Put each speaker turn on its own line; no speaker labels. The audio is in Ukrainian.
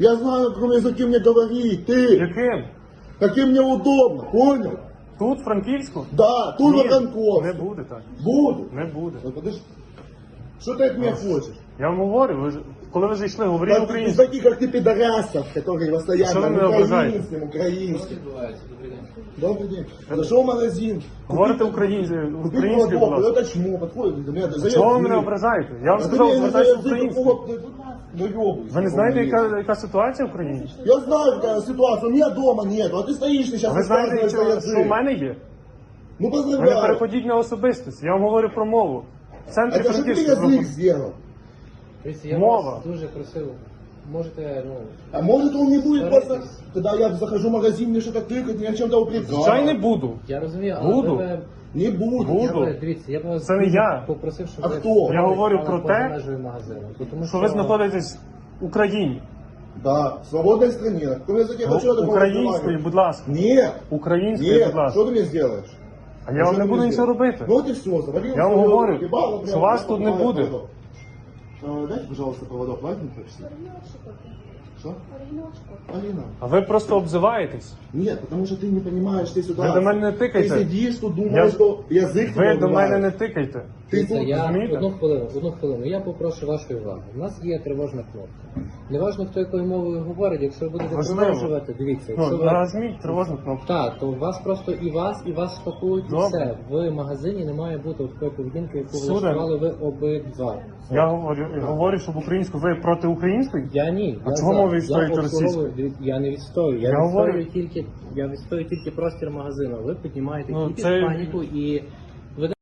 Я знаю, на каком языке мне говорить, ты.
Яким?
Каким мне удобно, понял?
Тут, в Франківську?
Да, тут
Ні,
на Конковске.
не буде так.
Буду.
Не буде.
Ну, подожди. Что ты от меня хочешь?
Я вам говорю, коли ви зайшли, говоріть
Из
українською.
таких, как ты, пидорасов, которые
Что
постоянно
вы меня ображаете?
украинским. Добрый день. Зашел в магазин.
Говорите
Купить
українською,
молоко,
будь ласка.
это чмо, подходит до меня.
Чого ви мене ображаєте? Я вам сказав, звертайся українською. Ви не знаєте, яка ситуація в Україні?
Я знаю, какая ситуация, у меня дома нету, а ты стоишь сейчас
Ви знаєте, що в мене є?
Ну
Ви не
поздравляю.
переходіть на особистість. Я вам говорю про мову. В центрі
Это что ты язык
Франківська.
сделал?
Дивіться, я
Мова.
вас дуже просив, можете, ну,
А может он не будет
Старайтесь.
просто... Когда я захожу в магазин, мне что-то тыкать, меня чем-то упрекать.
Звичайно, не буду.
я розумію, але
Буду.
ви,
Не буду.
Буду.
дивіться, я б вас
Це не
дуже
я.
попросив, щоб
А
ви
хто?
стали
Я говорю
поза
про те,
межею магазину. Тому
Що ви знаходитесь в Україні.
Да, в свободной стране. На каком языке хочу я такого
Українською,
разговаривать?
будь ласка.
Нет,
Українською,
нет,
будь ласка.
что ты мне сделаешь?
А я вам не буду нічого робити.
Ну вот и все, завалил.
Я вам
свою
говорю,
ебало,
що вас тут не
покупаю
буде.
проводок. Дайте, пожалуйста, проводок, возьмите все. Что? Алина.
А ви просто обзиваєтесь.
Нет, потому что ты не понимаешь ты ситуацию.
Ви до мене не тикайте.
Ты сидишь тут,
Я-
думаешь, что язык
Ви
тебе
до мене
убивает.
не тикайте.
Ты
Дивіться,
тут,
я
розумієте?
одну хвилину. Я попрошу вашої уваги. У нас є тривожна кнопка. Неважно, хто якою мовою говорить, якщо ви будете
Важливо.
продовжувати, дивіться, якщо
Ну,
ви...
нажміть тривожну кнопку.
Так, то вас просто і вас спакують і
Добре.
все. В магазині не має бути такої поведінки, яку
Сударь.
влаштували ви обидва.
Я говорю, щоб українську. Ви проти української?
Я ні.
А
я
чого
за.
ви відстоюєте
Я обслуговую-
російську?
Я не відстоюю. Я
говорю-
відстоюю тільки простір магазину. Ви піднімаєте
Ну,
кількість
це-
паніку і